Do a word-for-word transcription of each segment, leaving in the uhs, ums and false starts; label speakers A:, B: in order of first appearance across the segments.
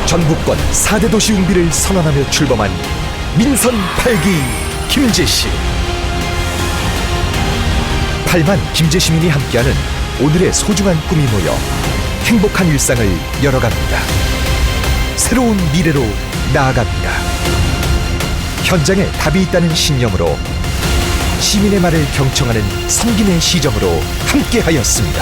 A: 전국권 사 대 도시 웅비를 선언하며 출범한 민선 팔 기 김제시. 팔만 김제시민이 함께하는 오늘의 소중한 꿈이 모여 행복한 일상을 열어갑니다. 새로운 미래로 나아갑니다. 현장에 답이 있다는 신념으로 시민의 말을 경청하는 섬김의 시정으로 함께하였습니다.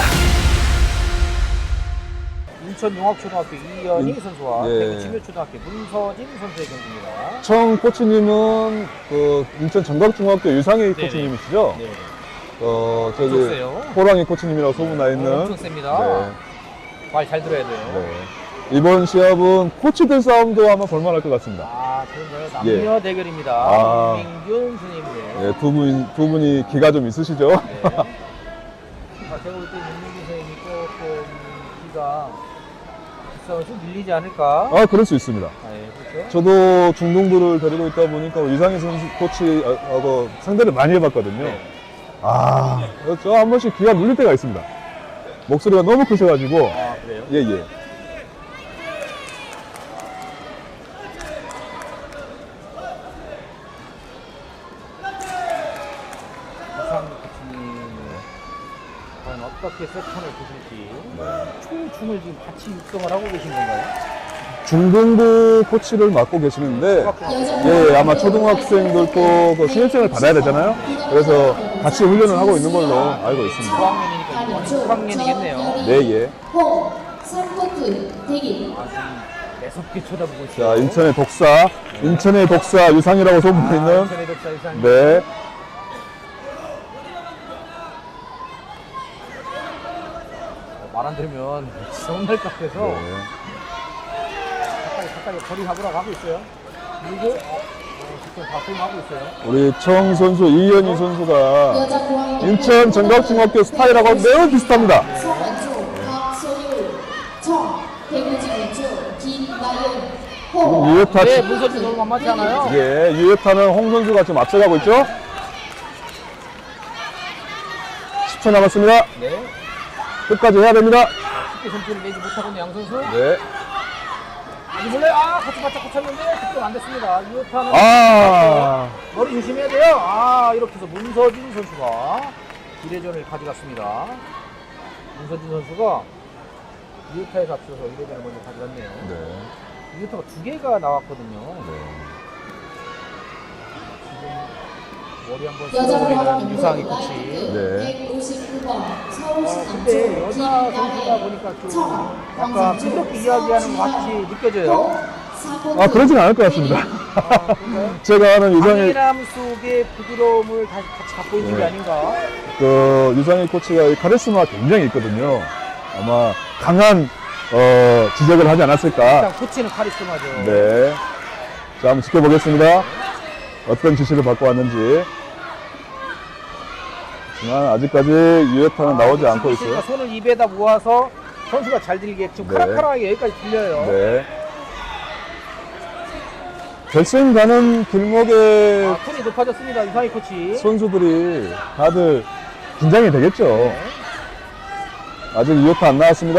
B: 인천용학초등학교 이연희
C: 인-
B: 선수와
C: 예.
B: 대구진묘초등학교 문서진 선수의 경기입니다.
C: 청 코치님은 그 인천 정각중학교 유상희 코치님이시죠?
B: 네.
C: 어, 저기
B: 엄청 세요.
C: 호랑이 코치님이라고 소문 나
B: 어,
C: 있는.
B: 엄청 셉니다.
C: 네.
B: 말 잘 들어야 돼요.
C: 네. 이번 시합은 코치들 싸움도 아마 볼만할 것 같습니다.
B: 아, 그런가요? 남녀 대결입니다.
C: 아.
B: 민균 선생님들.
C: 네, 두 분, 두 분이 기가 좀 있으시죠?
B: 네. 아, 제가 볼 때 민균 선생님이 조금 기가 기싸움을 좀 밀리지 않을까?
C: 아, 그럴 수 있습니다.
B: 아, 예, 그렇죠.
C: 저도 중동부를 데리고 있다 보니까 유상희 선수 코치하고 상대를 많이 해봤거든요.
B: 네.
C: 아, 저 한 번씩 귀가 눌릴 때가 있습니다. 목소리가 너무 크셔가지고.
B: 아, 그래요?
C: 예, 예.
B: 이상희 코치님 과연 어떻게 세컨을 보실지 총 춤을 지금 같이 육성을 하고 계신 건가요?
C: 중등부 코치를 맡고 계시는데, 예, 예, 아마 초등학생들도 그 신입생을 받아야 되잖아요. 그래서 같이 훈련을 하고 있는 걸로 알고 있습니다.
B: 구 학년이니까 이번에 육 학년이겠네요.
C: 네, 예.
D: 호, 삼 코트 대기.
B: 아, 지금 매섭게 쳐다보고 있어요.
C: 자, 인천의 독사, 인천의 독사 유상이라고
B: 아,
C: 소문있는,
B: 인천의 독사 유상희.
C: 네.
B: 어, 말 안 들으면 서운할 것 같아서
C: 네.
B: 가까이 가까이 거리 잡으러 가고 있어요. 그리고 어, 어, 지금 바꾸고 하고 있어요.
C: 우리 청 선수, 이연희 선수가
D: 여자 고학년
C: 인천 정각중학교 스타일하고 매우 비슷합니다.
D: 송원주, 박소율, 청, 대구지구주, 김나연,
C: 지금
D: 호.
C: 유효타,
B: 네,
C: 치-
B: 문서진 너무 만만치 않아요.
C: 예, 유효타는 홍 선수가 지금 앞서가고 있죠? 십 초 남았습니다.
B: 네.
C: 끝까지 해야 됩니다.
B: 쉽게 점수를 내지 못하고 있는 양 선수.
C: 네.
B: 아니 몰래 아 같이 바짝 붙였는데 득점 안 됐습니다. 유효타는
C: 아,
B: 머리 조심해야 돼요. 아 이렇게 해서 문서진 선수가 일 회전을 가져갔습니다. 문서진 선수가 유효타에서 앞서서 일 회전을 먼저 가져갔네요.
C: 네.
B: 유효타가 두 개가 나왔거든요. 지금 머리 한번
D: 여자
B: 쓰고 있는
D: 고학년
B: 유상희 코치.
C: 네.
D: 백오십구 번
B: 어,
D: 서울시
B: 근데
D: 남초,
B: 여자 선수다 보니까 좀 약간 삐뚤게 이야기하는 것 같이 느껴져요.
C: 아, 그러진 않을 것 같습니다.
B: 아, 그런가요?
C: 제가 아는 유상희,
B: 강인함 속의 부드러움을 다시 같이 갖고 있는 게
C: 네.
B: 아닌가?
C: 그, 유상희 코치가 이 카리스마가 굉장히 있거든요. 아마 강한, 어, 지적을 하지 않았을까.
B: 일단 코치는 카리스마죠.
C: 네. 자, 한번 지켜보겠습니다. 어떤 지시를 받고 왔는지. 하지만 아직까지 유효타는 나오지 않고 있어요.
B: 그러니까 손을 입에다 모아서 선수가 잘 들게 지금
C: 네.
B: 카락카락하게 여기까지 들려요.
C: 네. 결승 가는 길목에
B: 아, 톤이 높아졌습니다. 유상희 코치.
C: 선수들이 다들 긴장이 되겠죠.
B: 네.
C: 아직 유효타 안 나왔습니다.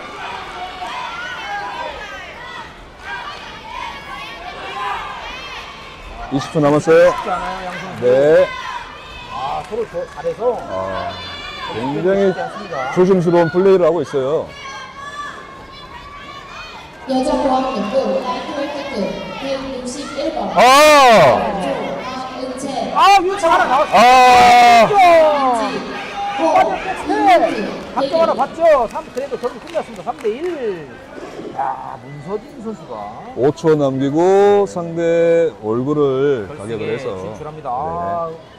C: 이십 초 남았어요.
B: 쉽지 않아요, 양 선수.
C: 네.
B: 아, 서로 저, 잘해서
C: 아, 굉장히
B: 쉽지 않습니다.
C: 조심스러운 플레이를 하고 있어요.
D: 여자 고학년부 라이트웨이 코트 백육십일 번
C: 아!
D: 박은채,
B: 아, 유효차 하나 나왔어요.
C: 아!
D: 호,
B: 네. 각점 하나 봤죠? 삼, 그래도 경기 끝났습니다. 삼 대 일. 야, 문서진 선수가
C: 오 초 남기고 상대 얼굴을
B: 결승에
C: 가격을 해서
B: 진출합니다.
C: 네.
B: 아,